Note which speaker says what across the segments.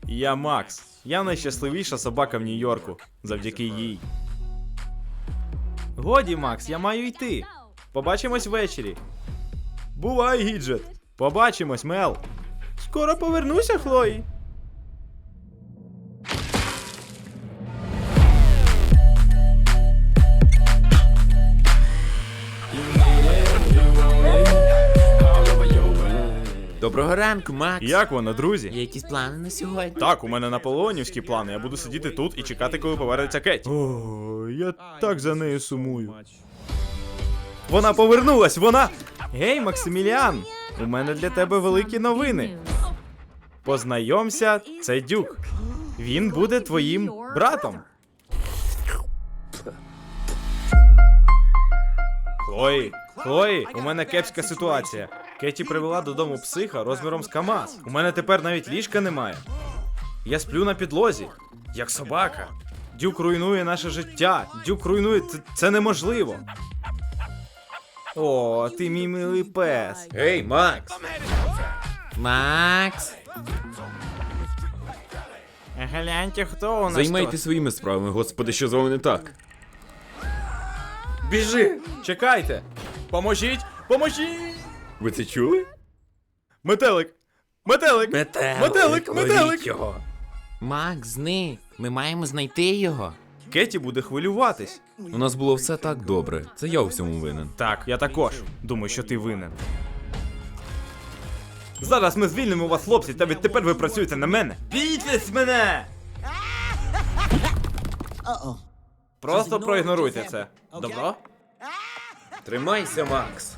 Speaker 1: Я Макс. Я найщасливіша собака в Нью-Йорку. Завдяки їй. Годі, Макс, я маю йти. Побачимось ввечері. Бувай, Гіджет. Побачимось, Мел. Скоро повернуся, Хлої.
Speaker 2: Доброго ранку, Макс.
Speaker 1: Як воно, друзі?
Speaker 2: Є якісь плани на сьогодні?
Speaker 1: Так, у мене наполеонівські плани. Я буду сидіти тут і чекати, коли повернеться Кеті. О, я так за нею сумую. Вона повернулась, вона... Гей, Максиміліан! У мене для тебе великі новини. Познайомся, це Дюк. Він буде твоїм братом. Хлої, у мене кепська ситуація. Кеті привела додому психа розміром з КамАЗ. У мене тепер навіть ліжка немає. Я сплю на підлозі, як собака. Дюк руйнує наше життя. Дюк руйнує... Це неможливо. О, ти мій милий пес.
Speaker 2: Гей, Макс! Макс!
Speaker 1: Гляньте, хто у нас
Speaker 2: Займайтесь своїми справами, господи, що з вами не так?
Speaker 1: Біжи! Чекайте! Поможіть! Поможіть!
Speaker 2: Ви це чули?
Speaker 1: Метелик! Метелик! Метелик!
Speaker 2: ловіть його! Макс, зник! Ми маємо знайти його.
Speaker 1: Кеті буде хвилюватись.
Speaker 2: У нас було все так добре. Це я у всьому винен.
Speaker 1: Так, я також. Думаю, що ти винен. Зараз ми звільнимо вас, хлопці, та відтепер ви працюєте на мене. Бійтесь мене! Просто проігноруйте це. Добро?
Speaker 2: Тримайся, Макс!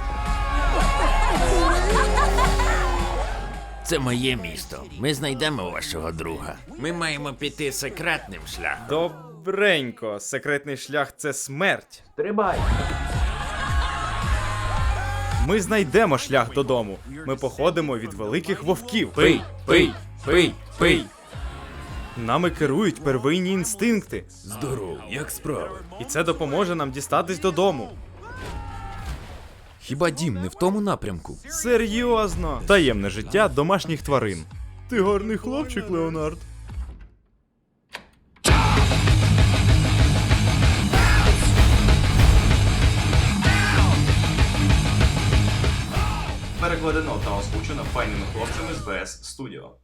Speaker 2: Це моє місто. Ми знайдемо вашого друга. Ми маємо піти секретним шляхом.
Speaker 1: Добренько. Секретний шлях — це смерть.
Speaker 2: Стрибай!
Speaker 1: Ми знайдемо шлях додому. Ми походимо від великих вовків.
Speaker 2: Пий!
Speaker 1: Нами керують первинні інстинкти.
Speaker 2: Здоров, як справи?
Speaker 1: І це допоможе нам дістатись додому.
Speaker 2: Хіба дім не в тому напрямку?
Speaker 1: Серйозно. Таємне життя домашніх тварин. Ти гарний хлопчик, Леонард.
Speaker 3: Перекладено та озвучено файними хлопцями з БС Studio.